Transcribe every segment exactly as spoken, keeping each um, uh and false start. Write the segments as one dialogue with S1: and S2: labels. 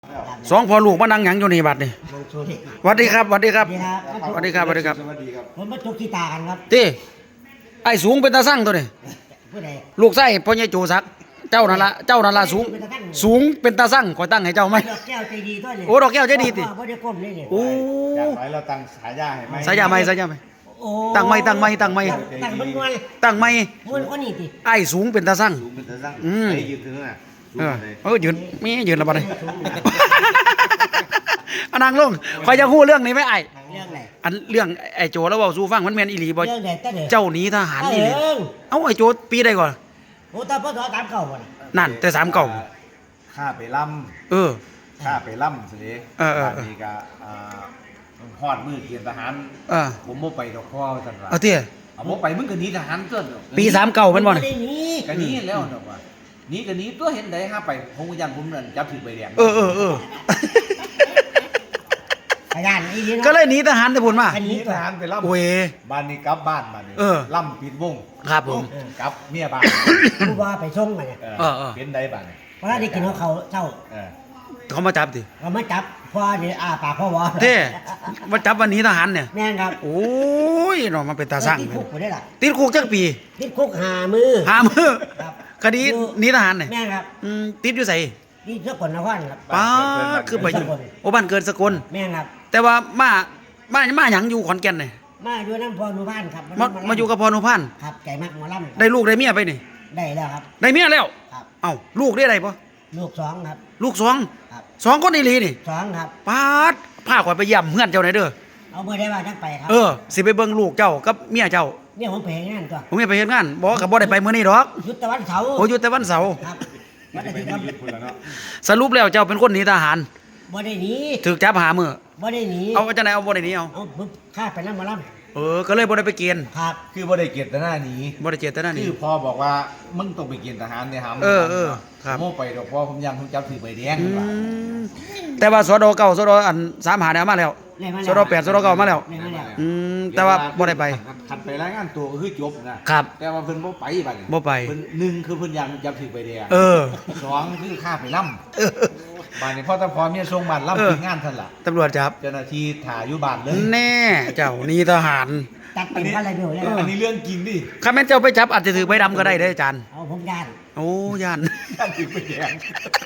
S1: สองพ่อลูกมานั่งหยังอยู่นี่บัดนี่สวัสดีครับสวัสดีครับสวัสดีครับสวัสดีครับ
S2: ผมมาจุกกีตากันครับ
S1: ตีไอ้สูงเป็นตาสั่งตัวนี้ลูกไส้พ่อใหญ่โจซักเจ้านั่นละเจ้านั่นละสูงสูงเป็นตาสั่งคอยตั้งให้เจ้าไหม
S2: ดอกแก้วใจดีตัวนี้
S1: โอ้ดอกแก้วใจดีติ
S2: บ่ได้ก้มเลยนี่
S1: โอ้
S3: จากไหนเราตั้งฉายาให้ไหม
S1: สายาไหมสายาไหมตั้งไม่ตั้งไม่ตั้งไม่
S2: ตั้งมันมวน
S1: ตั้งไม่
S2: มวนคนนี้ติ
S1: ไอ้สูงเป็นตาสั่ง
S3: สูงเป็นตาสั่ง
S1: อืม
S3: ไอ้ยืนถึงน่ะ
S1: เออเออยืนมียืนแล้วบัดนี้อันนั่งลงคอยจะพูดเรื่องนี้ไหมไอ้
S2: เรื่องไหน
S1: อันเรื่องไอ้โจแล้วเว้าสู่ฟังมันแม่นอีหลีบ่
S2: เรื่องไหนตั้ง
S1: เจ้าหนีทหารอีหลีเอ้าไอ้โจปีใดก่อน
S2: โอ้ตาพ่อตามเก่าบ่น่ะ
S1: นั่นแต่สามเก่า
S3: ข้าไปล่
S1: ำเออ
S3: ำข้าไปล่ำสิ
S1: เออเออ
S3: นี่ก็ฮอดมือเกียรทหาร
S1: เออ
S3: ผมบ่ไปดอกพ่อจังว่า
S1: เอาเตี้ย
S3: เอาบ่ไปมึงก็หนีทหารตัว
S1: ปีสามเก่าเป็นบ่
S2: ได้นี่
S3: ก็หนีแล้วดอกว่าหนีก็หนีตัวเห็นได้ห้าไปผมก็ยันผมนั่นจับถือใบแดง
S1: เออเออเออ
S2: ขยันอีหลี
S1: ก็เลยหนีทหารแต่พุ่นมา
S3: หนีทหารไปล่ำ
S1: โอ้ย
S3: บ้านนี้กลับบ้านมานี่ล่ำปิดวง
S1: ครับผม
S3: กลับเมียบ้าน
S2: ผู้ว่าไปส่งมาเนี่ย
S1: เออ
S3: เป็นได้บ้าน
S2: เพราะได้กินของเขาเจ้า
S1: เขามาจับดิ
S2: เขามาจับพ่อนี่อ้าปากพ่อวอ
S1: เท่มาจับวันนี้ทหารเนี่ย
S2: แม่นครับ
S1: โอ้ยเนาะมันเป็นตาสั่ง
S2: ติดคุกบ่ได้ล่ะ
S1: ติดคุกจักปี
S2: ติดคุกหามือ
S1: หามือคดีหนีทหารเนี่ย
S2: แม่นครับ
S1: อืมติดอยู่ไส
S2: ที่สกลนครครับ
S1: ป้าคือไปอยู่โอ้บ้านเกิดสกล
S2: แม่นครับ
S1: แต่ว่ามามามาหยังอยู่ขอนแก่นเนี่ย
S2: มาอยู่น้ำพอนุพันธ์ครับ
S1: มามาอยู่กับพอนุพันธ์
S2: ครับใจมากหมอลำ
S1: ได้ลูกได้เมียไปนี่
S2: ได้แล้วครับ
S1: ได้เมียแล้ว
S2: ครับ
S1: เอ้าลูกได้อะไรปะ
S2: ลูกสองครับ
S1: ลูกสอง
S2: ครับ
S1: สองคนอีหลีนี่
S2: สองครับ
S1: ปาดพาข่อยไปเยี่ยมเพื่อนเจ้าไหนเด้อ
S2: เอาเมื่อได้ว่าจักไปครับ
S1: เออสิไปเบิ่งลูกเจ้ากับเมียเจ้า
S2: เนี่ยผมไปเฮ็ดงานตัว
S1: ผมไปเฮ็ดงานบ่ก็บ่ได้ไปมื้อนี้ดอก
S2: ยุทธวันเสาร์
S1: โอ้อยู่แต่วันเสาร์
S2: ครับ
S3: มันจะเป็นญี่ปุ่นแล้วเนาะ
S1: สรุปแล้วเจ้าเป็นคนหนีทหาร
S2: บ่ได้หนี
S1: ถูกจับหามื้อ
S2: บ่ได้หนี
S1: เอาจังได๋เอาบ่ได้หนีเอา
S2: เอาผมข้าไปน้ำหมอล
S1: ำเออก็เลยบ่ได้ไปเกณฑ์
S2: ครับ
S3: คือบ่ได้เกียรติหน้านี้
S1: บ่ได้เจตนาหนี
S3: คือพ่อบอกว่ามึงต้องไปเกณฑ์ทหารเนี่ยหา
S1: เออเออครับ
S3: โม่ไปดอกพ่อผมยังผมจับถือใบแดง
S1: แต่ว่าสดเก้าสดอันสามหาเนี่ยมาแล้วสดแปดสดเก้ามาแล้วอืมแต่ว่าบ่ได้ไป
S3: ขัดไปรายงานตัวก็คือจบนะครับแต่ว่าเพิ่นบ่ไปบัด
S1: บ่ไป
S3: เพิ่นหนึ่งคือเพิ่นยังจับถือใบแดง
S1: เออ
S3: สองคือฆ่าไปล่ำบ้านนี้พ่อตาพอเมียส่งบ้านล่ำถึงงานท่านล่ะ
S1: ตำรวจจับ
S3: เจ้าหน้าที่ถ่ายอยู่บ้านเลย
S1: แน่เจ้านี่ทหาร
S2: จัดเป็นอะไรเดียวเลย
S3: อันนี้เรื่องจริงดิ
S1: ถ้าแม่นเจ้าไปจับอาจจะถือใบดำก็ได้เด้ออาจารย์
S2: เอาผมยาน
S1: โอ้ยาน
S3: จับถือใบแดง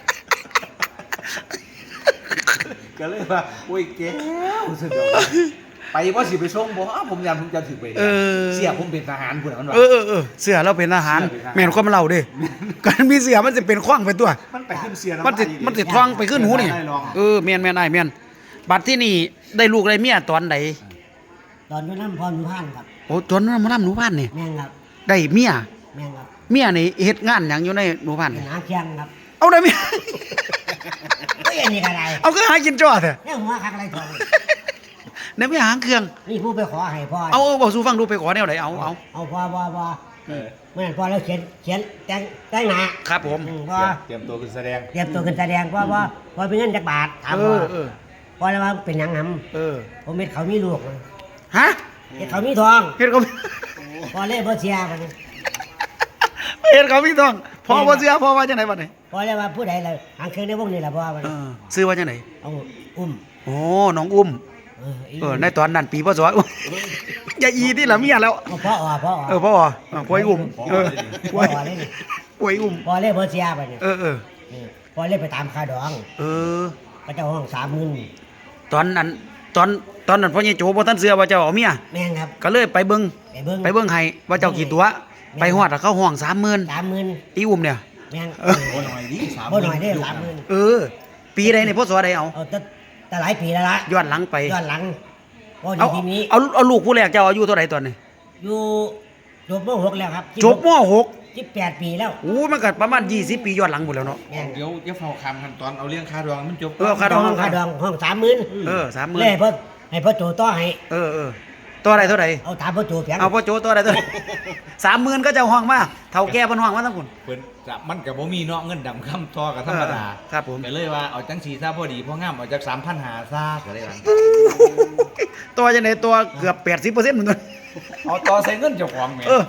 S3: ก็เลยว่าโอ้ยแก้วสุดยอดไปว่าสิไปส่งบ่อ้าผมยามผมจะถือไปเสียผมเป็นทหารพุ่นมันว่า
S1: เออเออเสือเราเป็นทหารแม่นความเล่าดิการมีเสือมันจะเป็นขว้างไปตัว
S3: มันไปขึ้นเสีย
S1: มันสิมันสิท้องไปขึ้นหูนี่เออแม่นแม่นอ้ายแม่นบัดที่นี่ได้ลูกได้เมียตอนใด
S2: ตอนอยู่น้ำพรนุพันธ์ครับ
S1: โอ้ตอนนั้นมาน้ำหนูพันธ์นี่
S2: แม่นครับ
S1: ได้เมีย
S2: แม่นครับ
S1: เมียนี่เฮ็ดงานหยังอยู่ในหนูพันธ์
S2: หาเคียงครับ
S1: เอาได้เมีย
S2: ก็อย่างนี้ก็ได้
S1: เอาก็หากินจ้อเถอะ
S2: เนี่ยหัวคักอะไรทอง
S1: เนี่ยไม่หางเครื่อง
S2: นี่ผู้ไปขอให้พ่อ
S1: เอาเอาบอกสู้ฟังดูไปขอแนวไหนเอาเอา
S2: เอาพ่อพ่อพ่อเมื่อพอแล้วเขียนเขียนแต่งแต่งหน้า
S1: ครับผม
S2: พ่อ
S3: เตรียมตัวขึ้นแสดง
S2: เตรียมตัวขึ้นแสดงพ่อพ่อพ่อเป็นเงินจักบาทถามพ่อพ่อแล้วว่าเป็นยังหำ
S1: เออ
S2: ผมเม็ดเขามีลูก
S1: ฮะ
S2: เฮ็ดเขามีทอง
S1: เฮ็ดเขา
S2: พ่อเล่บ่เสียบัดนี้
S1: เฮ็ดเขามีทองพ่อบ่เสียพ่อว่าจังได๋บัดนี้
S2: พ่อเลยว่าผู้ใดล่ะหางเครื่องในวงนี้ล่ะพ่อบัดนี้
S1: ชื่อว่าจังได๋
S2: เอาอุ้ม
S1: โอ้น้องอุ้มเออในตอนนั้นปีพศอย่าอีที่ละเมียแล้ว
S2: พ่ออ๋อพ่ออ๋อ
S1: เออพ่ออ๋อป่วยอุ้มเออป่วยป่วยอุ้ม
S2: พ่อเล่บ่เสียบัดนี้
S1: เออเออ
S2: พ่อเล่ไปตามค่าดอง
S1: เออ
S2: ก็เจ้าห้องสามหมื่น
S1: ตอนนั้นตอนตอนนั้นพ่อใหญ่โจบ่ทันเชื่อว่าเจ้าเอาเมีย
S2: แม่นครับ
S1: ก็เลยไปเบิ่ง
S2: ไปเบิ่ง
S1: ไปเบิ่งให้ว่าเจ้ากี่ตัวไปฮอดเขาห้อง สามหมื่น
S2: สามหมื่น
S1: อีอุ้มเนี่ย
S2: แม่น
S3: บ่หน่อยดิ
S2: บ่หน่อยเด้สามหมื่น
S1: เออปีใดนี่พศใดเอา
S2: เอาแต่แต่หลายปีแล้วล่ะ
S1: ย้อนหลังไป
S2: ย้อนหลังบ่
S1: เอา
S2: ทีนี้
S1: เอาเอาลูกผู้แรกเจ้าอายุเท่าไหร่ตอนนี้
S2: อยู่จบม .หก แล้วครับ
S1: จบม .หก
S2: สิบแปดปีแล้ว
S1: โอ้มันก็ประมาณยี่สิบปีย้อนหลังหมดแล้วเนาะ
S3: เดี๋ยวเดี๋ยวเฝ้าคำขั้นตอนเอาเรื่องค่าดองมันจบ
S1: เออค่าดอง
S2: ค่าดองห้องสามหมื่น
S1: เออสามหมื่น
S2: เลยพ่อให้พ่อโจต่อให้
S1: เออเออตัวอะไรเท่าไหร่
S2: เอาถามพ่อโจเพียง
S1: เอาพ่อโจตัวอะไรตัวสามหมื่นก็จะห้องมาเท่าแก่เพิ่นห้องมาทั้งคน
S3: เพิ่นจะมันก็บ่มีเนาะเงินดำคำทอกับธรรมดา
S1: ครับผม
S3: ก็เลยว่าเอาจังสีซะพอดีพองามเอาจาก สามพันห้าร้อย ซะก็ได้ว่า
S1: ตัวจังได๋ตัวเกือบ แปดสิบเปอร์เซ็นต์ เหมือนกัน
S3: เอาต่อใส่เงินเจ้าของแม่
S1: เออเ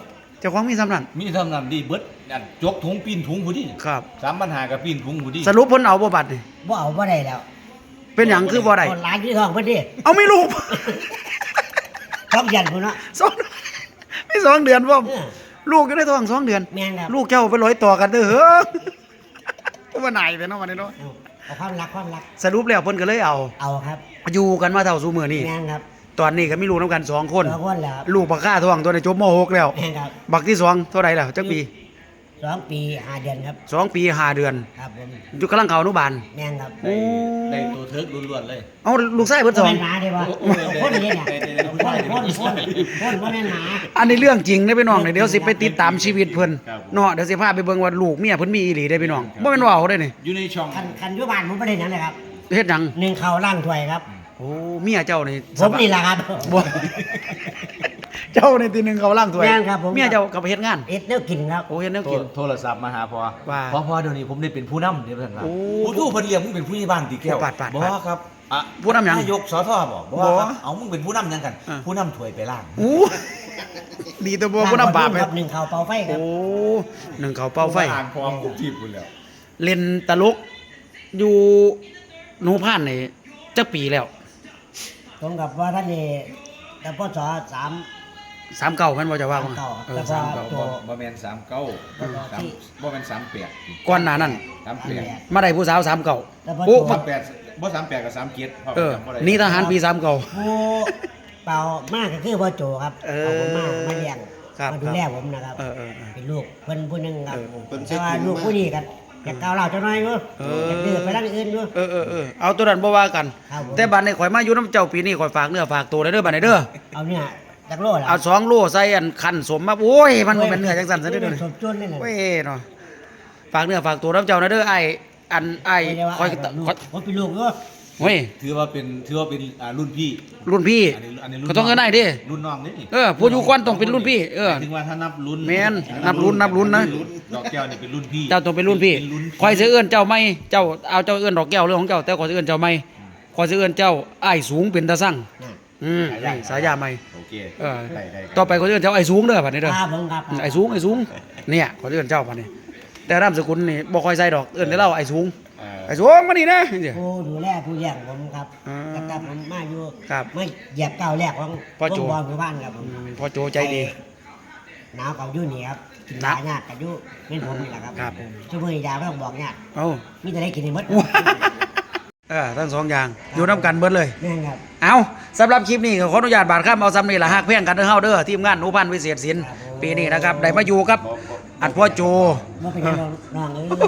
S1: จ้าของมีสำนัน
S3: มีทำนำดีเบิดอันจกถุงปีนถุงผู้ดี
S1: ครับ
S3: สามปัญหากับปีนถุงผู้ดี
S1: สรุปเพิ่นเอาบ่บัดนี่
S2: บ่เอาบ่ได้แล้ว
S1: เป็นหยังคือบ่ได้
S2: คนร้านที่ทองเพิ่นดิ
S1: เอาไม่ลูก
S2: ท้องยันพุ่นเนาะ
S1: สองไม่สองเดือนพ่อม
S2: เออ
S1: ลูกก็ได้ท้องสองเดือน
S2: แม่นครับ
S1: ลูกเจ้าไปร้อยต่อกันเด้อเฮ้อก็มาไหนไปเนาะวันนี้เนาะ
S2: เอาเอาความรักความรัก
S1: สรุปแล้วเพิ่นก็เลยเอา
S2: เอาครับ
S1: อยู่กันมาเท่าสู่มื้อนี้
S2: แม่นครับ
S1: ตอนนี้ก็มีลูกนํกันสองคน
S2: สองคนแล้วครับ
S1: ลูกบักค่าท้องตัวนี้จบม หก แล้ว
S2: แม่นครับ
S1: บักที่สองเท่าไหร่แล้วจักปี
S2: สองปีห้าเดือนครับ
S1: สองปีห้าเดือน
S2: ครับผม
S1: อยู่กำลังเข้าอนุบาล
S2: แม่นครับ
S1: โอ้
S3: ได้ตัวเทิร์กล้วนๆเลย
S1: เอาลูกชายเพิ่นสอง
S2: บ่แม่นหมาได้บ่
S3: โอ้โอ้
S2: คนนี้เนี่ย
S3: ได้ได้ได้
S2: คนคนคนคนบ่แม่นหมา
S1: อันนี้เรื่องจริงเด้อพี่น้องเดี๋ยวสิไปติดตามชีวิตเพิ่น
S3: ครับ
S1: เนาะเดี๋ยวสิพาไปเบิ่งว่าลูกเมียเพิ่นมีอีหลีได้อพี่น้องบ่แม่นว่าเอาได้อนี่
S3: อยู่ในช่อง
S2: คันคันอยู่บ้านผมบ่ได้หยังเลยครับ
S1: เฮ็ดหยัง
S2: หนึ่งข้าวล้างถ้วยครับ
S1: โอ้เมียเจ้านี่
S2: ผมนี่แหละครับ
S1: บ่ เจ้าในทีหนึงเขาล่างถ้วย
S2: แม่นครับผม
S1: เมียเจ้าก็ไปเฮ็ดงาน
S2: เอ็ดแนวกินครับ
S1: โอ้เฮ็ดแนว
S3: โทร
S1: กิน
S3: โทรศัพท์มาหาพอ
S1: ว่า
S3: พอพอเดี๋ยวนี้ผมได้เป็นผู้นำเดี๋ยวท่านว่า
S1: โอ้
S3: ผู้ทู้เพิ่นเรียกมึงเป็นผู้ใหญ่บ้านติแก้ว
S1: ปาดปาด
S3: บ่
S1: ปาด
S3: ครับอ่ะ
S1: ผู้นำหยัง
S3: นายกสทบอกบ่
S1: บ่
S3: ครับเอามึงเป็นผู้นำหยังกัน
S1: อ่ะ
S3: ผู้นำถ้วยไปล่าง
S1: อู้ดีตัวบ่ผู้นำบาป
S2: ค
S1: ไป
S2: รับหนึ่งข้าวเป่าไฟครั
S1: โอ้
S2: บ
S1: หนึ่งเขาเป่าไฟ
S3: อ่านพร้อมกุ๊บจีบคุณแล้ว
S1: เล่นตลกอยู่หนูพานนี่จักปีแล้ว
S2: ตรงกับว่าท่านนี่แต่พศสาม
S1: สามเก่าแม่นบ่จะว่าบ่
S2: สามเก้า
S1: เออ
S2: แล้วก็
S1: สามเก่า
S2: ตัว
S3: บ่แม่นสามเก้า
S2: อืม
S3: สามบ่แม่นสามแปด
S1: ก่อนหน้านั้น
S3: สามแปด
S1: มาได้ผู้สาวสามเก่า
S2: แล้วพอ
S1: โอ้
S2: ตัว
S3: สามแปดบ่สามแปดกับสามเจ็ดพ่
S1: เออ
S3: จำบ่ได้
S1: นี่ทหารปีสามเก่า
S2: ผู้เป่ามากก็คือพ่อโจครับ
S1: เออ
S2: เอาผมมามาเลี้ยง
S1: ครับ
S2: มาดูแลผมนะครับ
S1: เออเออเออ
S2: เป็นลูกเพิ่นผู้หนึงครับ
S1: เออ
S2: แต่ว่าลูกผู้นี้กันอยากก้าวเล่าวจังน้อยอยู่
S1: เอออ
S2: อยากดื้อไปทางอื่นอยู่
S1: เออเออเออเอาตัวนั้นบ่ว่ากัน
S2: ครับผม
S1: แต่บัดนี้ข่อยมาอยู่น้ำเจ้าปีนี้ข่อยฝากเนื้อฝากตัวได้เด้อบัดนี้เด้อ
S2: เอาเนี่ยจักโลแล้ว
S1: เอาสองโลใส่อันคันสมมาโอ้ยมันบ่เป็นเนื้อจังซั่นซะเด้อเด้อ
S2: สมจุนนี่แหละ
S1: เว้ยเนาะฝากเนื้อฝากตัวน้ำเจ้านะเด้อไอ้อันไอ้
S2: ไม่ได้ว่า
S1: คอย
S2: แบบลูก
S1: คอย
S2: ผมเป็นลูกอยู่
S1: เฮ้ย
S3: ถือว่าเป็นถือว่าเป็นอ่ารุ่นพี่
S1: รุ่นพี่
S3: อันนี้อันนี้รุ่น
S1: ก็ต้องเอิ้นได้ดิ
S3: รุ่นน้องนี่
S1: เออผู้อยู่ก่อนต้องเป็นรุ่นพี่เออ
S3: หมายถึงว่าถ้านับรุ่น
S1: แม่นนับรุ่นนับรุ่นนะ
S3: ดอกแก้วนี่เป็นรุ่นพี่
S1: เจ้าต้องเป็นรุ่นพี่
S3: เป็นรุ่น
S1: คอยสิเอื้อนเจ้าไม่เจ้าเอาเจ้าเอื้อนดอกแก้วเรื่องของเจ้าแต่คอยสิเอื้อนเจ้าไม่คอยสิเอื้อนเจ้าอ้ายสูงเป็นตาสั่ง
S2: น่ะ
S1: อืมนี่สายาไม่
S3: โอเค
S1: เออ
S3: ได้ได้
S1: ต่อไปคอยสิเอื้อนเจ้าอ้ายสูงเด้อบัดนี้เด้อ
S2: ครับผมครับ
S1: ไอ้สูงไอ้สูงเนี่ยขอเอื้อนเจ้าบัดนี้แต่นามสกุลนี่บ่ค่อยใส่ดอกเอื้อนแต่เราไอ้สูง
S3: เออ
S1: ไอ้สูงมานี่นะจังซี่
S2: ผู้ดูแลผู้เลี้ยงผมครับ
S1: อ่า
S2: ตั้งแต่ผมมาอยู่
S1: ครับ
S2: ไม่เหยียบก้าวแรกของ
S1: พ่อโจ
S2: วงบอลหมู่บ้านครับผม
S1: อืมพ่อโจใจดี
S2: หนาวกับยู่นี่ครับกิน
S1: หนาย
S2: าญาติกับยู่เป็นผมนี่แหละครับ
S1: ครับ
S2: ช่วมือยาไม่ต้องบอกญาติ
S1: เอ้า
S2: มีแต่ได้กินในมด
S1: เออทั้งสองอย่างอยู่น้ำกันเบิดเลย
S2: แม่นครับ
S1: เอาสำหรับคลิปนี้ก็ขออนุญาตบาดข้ามเอาซ้ำนี่ละฮักเพียงกันเด้อเฮาเด้อทีมงานหนูพันธุ์วิเศษศิลป์
S2: ครับผม
S1: ปีนี้นะครับได้มาอยู่กับอันพ่อโจ
S2: ว่าเป็นยังน้องเอ้ย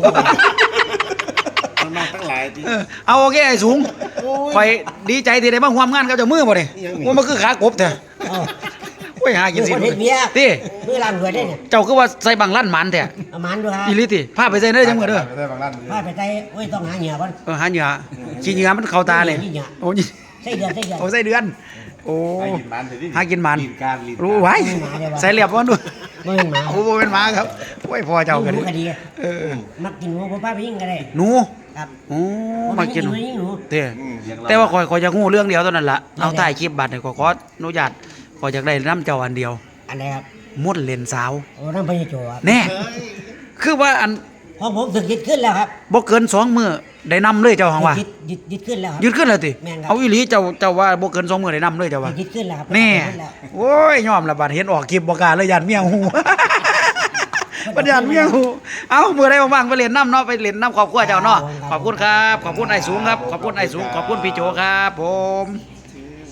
S3: น้องๆทั้งหลายที่
S1: เออเอาโอเคไอ้สูงคอยดีใจที่ได้มาร่วมงานกับเจ้ามือบ่นี่ว่ามันคือขากบเถอะ
S2: เอ้า
S1: โอ้ยหากินสิ
S2: คนเฮ็ดเบียร์
S1: ติ
S2: มือล้างถ้วยได้เนี่ย
S1: เจ้าคือว่าใส่บังลั่นหมันแท้
S2: เอามันด้วยครับ
S1: อีหลิติพาไปใส่เด้อจังมื้อเด้อ
S3: ไม่ได้บางร้านมือ
S2: ว่าไปใจโอ้ยต้องหาเหงื่อก่อน
S1: เออหาเหยื่อขี้เหยื่อมันเข้าตาเลย
S2: ขี้เหงื่อ
S1: โอ้ย
S2: ใส่เดือนใส่เดือน
S1: โอ้ใส่เดือน โอ้
S3: ให้กินมันเถอะดิ
S1: หากินมัน
S3: ลิ้การลิ้น
S1: รู้ไว้
S2: ไม่หมาเดี๋ยวว่า
S1: ใส่เรียบบ่ดู
S2: ไม่เป็นหมา
S1: โอ้บ่เป็นหมาครับโอ้ยพ่อเจ้าก็
S2: ห
S1: ดี
S2: นูก็ดี
S1: เออ
S2: มักกินหนูผมป้าไปยิ่งก็ได้
S1: หนู
S2: ครับ
S1: โอ้มากิน
S2: หนูยิ่งหนู
S1: เด้
S3: อืมเลี้ยงเร
S1: แต่ว่าข่อยข่อยจะฮู้เรื่องเดียวเท่านั้นล่ะ
S2: ได้
S1: เอาถ่ายคลิปบัตรนี่ขอยขออนุญาตข่อยอยากได้น้ำเจ้าอันเดียว
S2: อันไหนครับ
S1: มดเลนสาว
S2: โอ้น้ำพญโจครับ
S1: แน่ คือว่าอัน
S2: ของผมสึกยึดขึ้นแล้วครับ
S1: บ่เกินสองมื้อได้นำเลยเจ้าหังว่า
S2: ยึดยึดยึดขึ้นแล้วครับ
S1: ยืดขึ้นเลยติ
S2: แม่นครับ
S1: เอาอีหลีเจ้าเจ้าว่าบ่เกินสองมื้อได้นำเลยเจ้าว่า
S2: ยึดขึ้นแล้วครับ
S1: แน่
S2: ยึดขึ้นแล้ว
S1: โอ้ยยอมละบาดเห็นออกคลิปบ่กล้าเลยยานเมียหู ปัญญานเมียหูเอามื้อใดว่างๆไปเล่นน้ำเนาะไปเล่นน้ำครอบครัวเจ้าเนาะขอบคุณครับ ขอบคุณไอ้สูงครับ ขอบคุณไอ้สูง ขอบคุณพี่โจครับ ผม